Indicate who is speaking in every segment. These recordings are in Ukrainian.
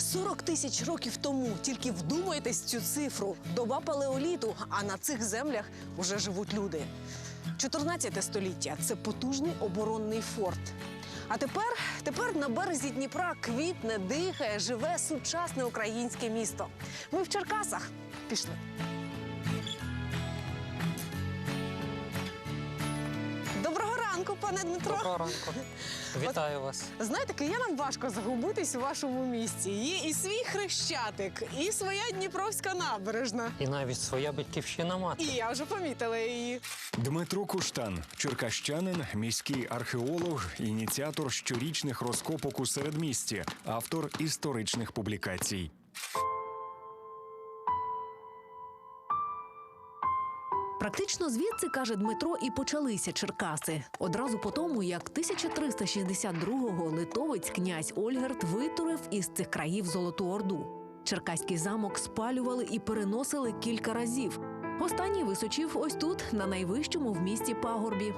Speaker 1: 40 тисяч років тому, тільки вдумайтесь в цю цифру, доба палеоліту, а на цих землях вже живуть люди. 14 століття – це потужний оборонний форт. А тепер на березі Дніпра квітне, дихає, живе сучасне українське місто. Ми в Черкасах. Пішли. Доброго ранку, пане Дмитро.
Speaker 2: Доброго ранку. Вітаю вас.
Speaker 1: Знаєте, киянам важко загубитись у вашому місті. Є і свій Хрещатик, і своя Дніпровська набережна.
Speaker 2: І навіть своя батьківщина мати.
Speaker 1: І я вже помітила її.
Speaker 3: Дмитро Куштан – черкащанин, міський археолог, ініціатор щорічних розкопок у середмісті, автор історичних публікацій.
Speaker 4: Практично звідси, каже Дмитро, і почалися Черкаси. Одразу по тому, як 1362-го литовець князь Ольгерд витурив із цих країв Золоту Орду. Черкаський замок спалювали і переносили кілька разів. Останній височив ось тут, на найвищому в місті пагорбі.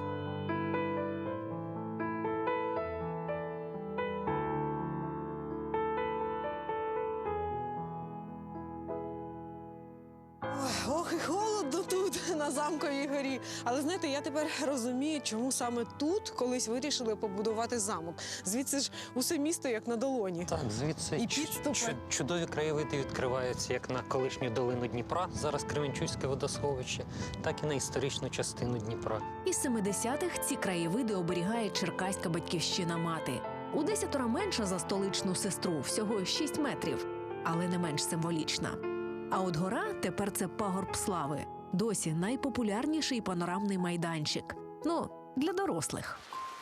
Speaker 1: Ох, і холодно тут, на Замковій горі. Але, знаєте, я тепер розумію, чому саме тут колись вирішили побудувати замок. Звідси ж усе місто як на долоні.
Speaker 2: Так, звідси
Speaker 1: І підступи.
Speaker 2: чудові краєвиди відкриваються як на колишню долину Дніпра, зараз Кременчуцьке водосховище, так і на історичну частину Дніпра.
Speaker 4: Із 70-х ці краєвиди оберігає черкаська батьківщина мати. У 10 менша за столичну сестру, всього 6 метрів, але не менш символічна. А от гора тепер це пагорб слави. Досі найпопулярніший панорамний майданчик. Ну, для дорослих.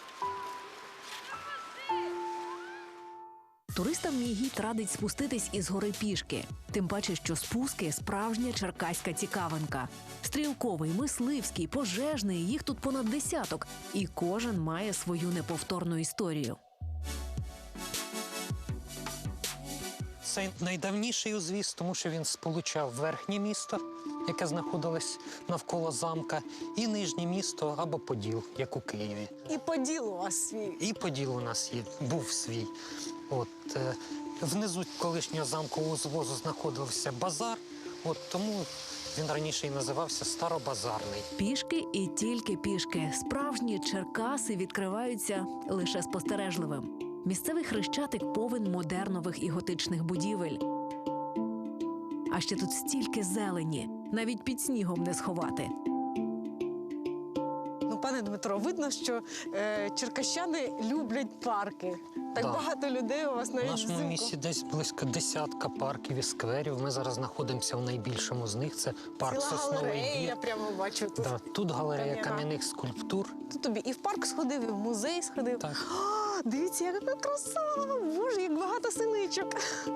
Speaker 4: Туристам мій гід радить спуститись із гори пішки. Тим паче, що спуски – справжня черкаська цікавинка. Стрілковий, мисливський, пожежний – їх тут понад десяток. І кожен має свою неповторну історію.
Speaker 2: Це найдавніший узвіз, тому що він сполучав верхнє місто, яке знаходилось навколо замка, і нижнє місто або Поділ, як у Києві.
Speaker 1: І Поділ у вас свій.
Speaker 2: І Поділ у нас був свій. Внизу колишнього замкового узвозу знаходився базар, тому він раніше і називався Старобазарний.
Speaker 4: Пішки і тільки пішки. Справжні Черкаси відкриваються лише спостережливим. Місцевий Хрещатик повен модернових і готичних будівель. А ще тут стільки зелені, навіть під снігом не сховати.
Speaker 1: Ну, пане Дмитро, видно, що черкащани люблять парки. Так
Speaker 2: Да.
Speaker 1: багато людей у вас
Speaker 2: В
Speaker 1: навіть
Speaker 2: нашому
Speaker 1: взимку.
Speaker 2: місті десь близько десятка парків і скверів. Ми зараз знаходимося в найбільшому з них. Це парк
Speaker 1: Ціла
Speaker 2: Сосновий
Speaker 1: галерея, я
Speaker 2: Бір.
Speaker 1: прямо бачу тут.
Speaker 2: Да, тут галерея
Speaker 1: Кам'яна.
Speaker 2: кам'яних скульптур.
Speaker 1: Тут тобі і в парк сходив, і в музей сходив.
Speaker 2: Так.
Speaker 1: О, дивіться, яка краса! Боже, як багато синичок.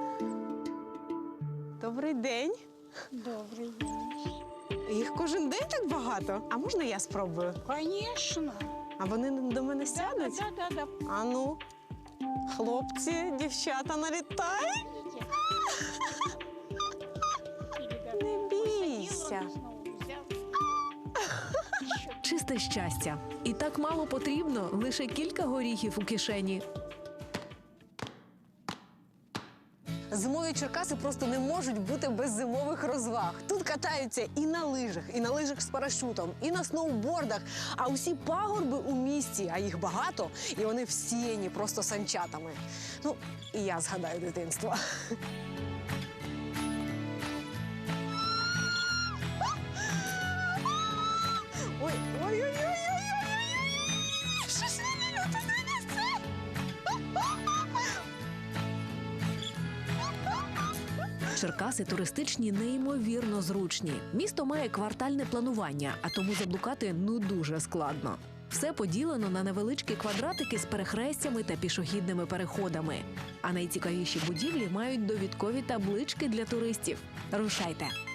Speaker 1: Добрий день.
Speaker 5: Добрий день.
Speaker 1: Їх кожен день так багато. А можна я спробую?
Speaker 5: Конечно.
Speaker 1: А вони до мене сядуть?
Speaker 5: Да.
Speaker 1: А ну, хлопці, дівчата налітають. Не бійся.
Speaker 4: Чисте щастя. І так мало потрібно, лише кілька горіхів у кишені.
Speaker 1: Зимові Черкаси просто не можуть бути без зимових розваг. Тут катаються і на лижах з парашутом, і на сноубордах. А усі пагорби у місті, а їх багато, і вони всіяні просто санчатами. Ну, і я згадаю дитинство. Ой. Що ж мені люди занесли?
Speaker 4: Черкаси туристичні неймовірно зручні. Місто має квартальне планування, а тому заблукати дуже складно. Все поділено на невеличкі квадратики з перехрестями та пішохідними переходами. А найцікавіші будівлі мають довідкові таблички для туристів. Рушайте!